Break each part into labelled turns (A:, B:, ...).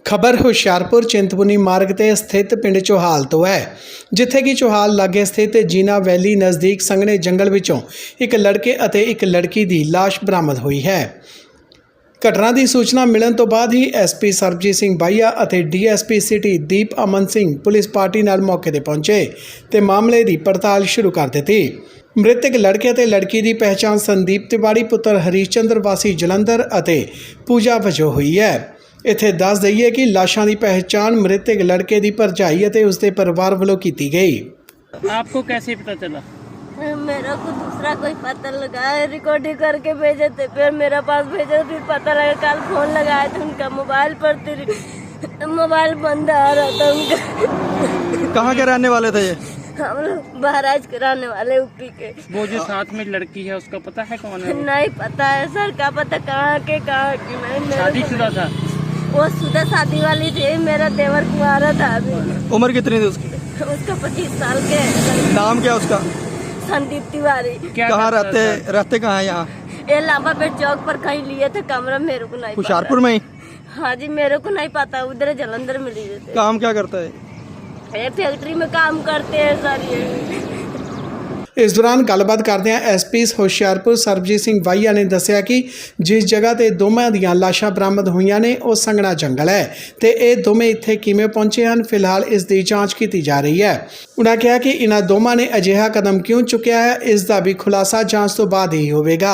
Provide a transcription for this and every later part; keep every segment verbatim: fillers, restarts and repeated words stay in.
A: खबर हुशियारपुर चिंतपूर्णी मार्ग ते स्थित पिंड चौहाल तो है, जिथे कि चौहाल लागे स्थित जीना वैली नज़दीक संघने जंगल विचों एक लड़के अते एक लड़की की लाश बरामद हुई है। घटना की सूचना मिलने तो बाद ही एस पी सरबजीत सिंह बाहिया अते D S P city Deep Aman Singh police party नाल मौके ते पहुंचे ते मामले की पड़ताल शुरू कर दी। मृतक लड़के ते लड़की की पहचान संदीप तिवाड़ी पुत्र हरीश चंद्र वासी जलंधर अते पूजा वजों हुई है। इत्थे दस दईए कि लाशां की पहचान मृतक लड़के की भरजाई अते उसके परिवार वालों की गई।
B: आपको कैसे पता चला?
C: मेरा को दूसरा कोई पता लगा, रिकॉर्डिंग करके भेजे थे, फिर मेरे पास भेजे, फिर पता लगा। कल फोन लगाया था उनका, मोबाइल पर मोबाइल बंद आ रहा था उनका।
D: कहाँ के रहने वाले थे ये?
C: हम लोग महाराज के रहने वाले ऊपी के।
B: वो जो साथ में लड़की है उसका पता है कौन है?
C: नहीं पता है सर, का पता कहाँ के कहाँ की। नहीं,
B: शादीशुदा था
C: वो शुदा शादी वाली थी। मेरा देवर कुंवारा था अभी।
D: उम्र कितनी थी उसकी?
C: उसका पच्चीस साल के।
D: नाम क्या उसका?
C: संदीप तिवारी।
B: क्या
D: कहाँ
B: करता
D: रहते
B: था?
D: रहते कहाँ है यहाँ?
C: ये लाभा पेट चौक पर कहीं लिए थे कमरा, मेरे को नहीं
D: हुशियारपुर में ही?
C: पता। हाँ जी, मेरे को नहीं पता, उधर जलंधर में लिए थे।
D: काम क्या करता है?
C: ये फैक्ट्री में काम करते हैं सर ये।
A: इस दौरान गलबात करदे एस पी हुशियारपुर सरबजीत सिंह बाहिया ने दस्सिया कि जिस जगह ते दोवां दीयां लाशां बरामद होईयां ने वो संघना जंगल है ते ये दोवें इत्थे किवें पहुंचे हैं, फिलहाल इस दी जांच की जा रही है। उन्होंने कहा कि इन्हां दोवां ने अजिहा कदम क्यों चुकिया है, इसका भी खुलासा जांच तो बाद ही होवेगा।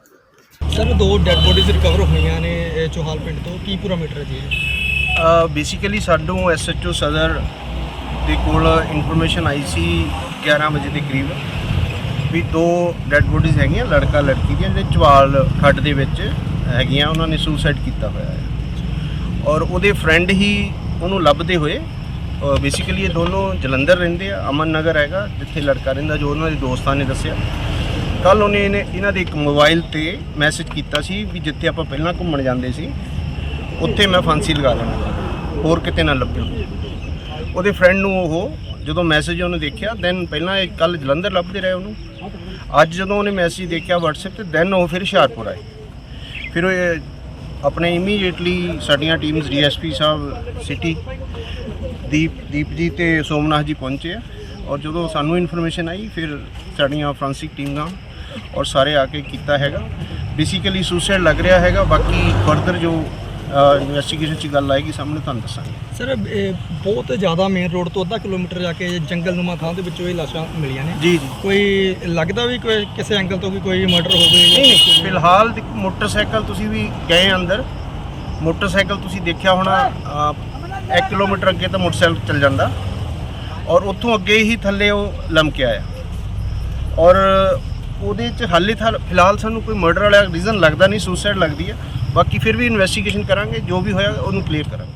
D: सर दो डेड बॉडीज रिकवर होईयां ने चौहाल पिंड तो, की पूरा मैटर है जी?
E: बेसिकली साडों एस एच ओ सदर ਦੇ ਕੋਲ ਇਨਫੋਰਮੇਸ਼ਨ ਆਈ ਸੀ ਗਿਆਰਾਂ ਵਜੇ ਦੇ ਕਰੀਬ ਵੀ ਦੋ ਡੈੱਡ ਬੋਡੀਜ਼ ਹੈਗੀਆਂ ਲੜਕਾ ਲੜਕੀ ਦੀਆਂ ਜਿਹੜੇ ਚਵਾਲ ਖੱਡ ਦੇ ਵਿੱਚ ਹੈਗੀਆਂ, ਉਹਨਾਂ ਨੇ ਸੁਸਾਈਡ ਕੀਤਾ ਹੋਇਆ ਹੈ ਔਰ ਉਹਦੇ ਫਰੈਂਡ ਹੀ ਉਹਨੂੰ ਲੱਭਦੇ ਹੋਏ। ਬੇਸਿਕਲੀ ਇਹ ਦੋਨੋਂ ਜਲੰਧਰ ਰਹਿੰਦੇ ਆ, ਅਮਨ ਨਗਰ ਹੈਗਾ ਜਿੱਥੇ ਲੜਕਾ ਰਹਿੰਦਾ, ਜੋ ਉਹਨਾਂ ਦੇ ਦੋਸਤਾਂ ਨੇ ਦੱਸਿਆ। ਕੱਲ੍ਹ ਉਹਨੇ ਇਹਨੇ ਇਹਨਾਂ ਦੇ ਇੱਕ ਮੋਬਾਈਲ 'ਤੇ ਮੈਸੇਜ ਕੀਤਾ ਸੀ ਵੀ ਜਿੱਥੇ ਆਪਾਂ ਪਹਿਲਾਂ ਘੁੰਮਣ ਜਾਂਦੇ ਸੀ ਉੱਥੇ ਮੈਂ ਫਾਂਸੀ ਲਗਾ ਲੈਣਾ, ਹੋਰ ਕਿਤੇ ਨਾ ਲੱਭਿਓ। ਉਹਦੇ ਫਰੈਂਡ ਨੂੰ ਉਹ ਜਦੋਂ ਮੈਸੇਜ ਉਹਨੇ ਦੇਖਿਆ, ਦੈਨ ਪਹਿਲਾਂ ਇਹ ਕੱਲ੍ਹ ਜਲੰਧਰ ਲੱਭਦੇ ਰਹੇ ਉਹਨੂੰ, ਅੱਜ ਜਦੋਂ ਉਹਨੇ ਮੈਸੇਜ ਦੇਖਿਆ ਵਟਸਐਪ 'ਤੇ ਦੈਨ ਉਹ ਫਿਰ ਹੁਸ਼ਿਆਰਪੁਰ ਆਏ। ਫਿਰ ਉਹ ਆਪਣੇ ਇਮੀਡੀਏਟਲੀ ਸਾਡੀਆਂ ਟੀਮਸ ਡੀ ਐਸ ਪੀ ਸਾਹਿਬ ਸਿਟੀ ਦੀਪ ਦੀਪ ਜੀ ਅਤੇ ਸੋਮਨਾਥ ਜੀ ਪਹੁੰਚੇ ਆ ਔਰ ਜਦੋਂ ਸਾਨੂੰ ਇਨਫੋਰਮੇਸ਼ਨ ਆਈ ਫਿਰ ਸਾਡੀਆਂ ਫੋਰੈਂਸਿਕ ਟੀਮਾਂ ਔਰ ਸਾਰੇ ਆ ਕੇ ਕੀਤਾ ਹੈਗਾ। ਬੇਸਿਕਲੀ ਸੁਸਾਈਡ ਲੱਗ ਰਿਹਾ ਹੈਗਾ, ਬਾਕੀ ਫਰਦਰ ਜੋ ਇਨਵੈਸਟੀਗੇਸ਼ਨ 'ਚ ਗੱਲ ਆਏਗੀ ਸਾਹਮਣੇ ਤੁਹਾਨੂੰ ਦੱਸਾਂਗੇ।
D: ਸਰ ਬਹੁਤ ਜ਼ਿਆਦਾ ਮੇਨ ਰੋਡ ਤੋਂ ਅੱਧਾ ਕਿਲੋਮੀਟਰ ਜਾ ਕੇ ਜੰਗਲਨੁਮਾ ਥਾਂ ਦੇ ਵਿੱਚੋਂ ਇਹ ਲਾਸ਼ਾਂ ਮਿਲੀਆਂ ਨੇ
E: ਜੀ ਜੀ।
D: ਕੋਈ ਲੱਗਦਾ ਵੀ ਕੋਈ ਕਿਸੇ ਐਂਗਲ ਤੋਂ ਵੀ ਕੋਈ ਮਰਡਰ ਹੋਵੇ?
E: ਨਹੀਂ ਨਹੀਂ, ਫਿਲਹਾਲ ਮੋਟਰਸਾਈਕਲ ਤੁਸੀਂ ਵੀ ਗਏ ਅੰਦਰ, ਮੋਟਰਸਾਈਕਲ ਤੁਸੀਂ ਦੇਖਿਆ ਹੋਣਾ, ਇੱਕ ਕਿਲੋਮੀਟਰ ਅੱਗੇ ਤਾਂ ਮੋਟਰਸਾਈਕਲ ਚੱਲ ਜਾਂਦਾ ਔਰ ਉੱਥੋਂ ਅੱਗੇ ਹੀ ਥੱਲੇ ਉਹ ਲਮਕਿਆ ਆ ਔਰ ਉਹਦੇ 'ਚ ਹਾਲੇ ਫਿਲਹਾਲ ਸਾਨੂੰ ਕੋਈ ਮਰਡਰ ਵਾਲਾ ਰੀਜ਼ਨ ਲੱਗਦਾ ਨਹੀਂ, ਸੁਸਾਈਡ ਲੱਗਦੀ ਹੈ। ਬਾਕੀ ਫਿਰ ਵੀ ਇਨਵੈਸਟੀਗੇਸ਼ਨ ਕਰਾਂਗੇ, ਜੋ ਵੀ ਹੋਇਆ ਉਹਨੂੰ ਕਲੀਅਰ ਕਰਾਂਗੇ।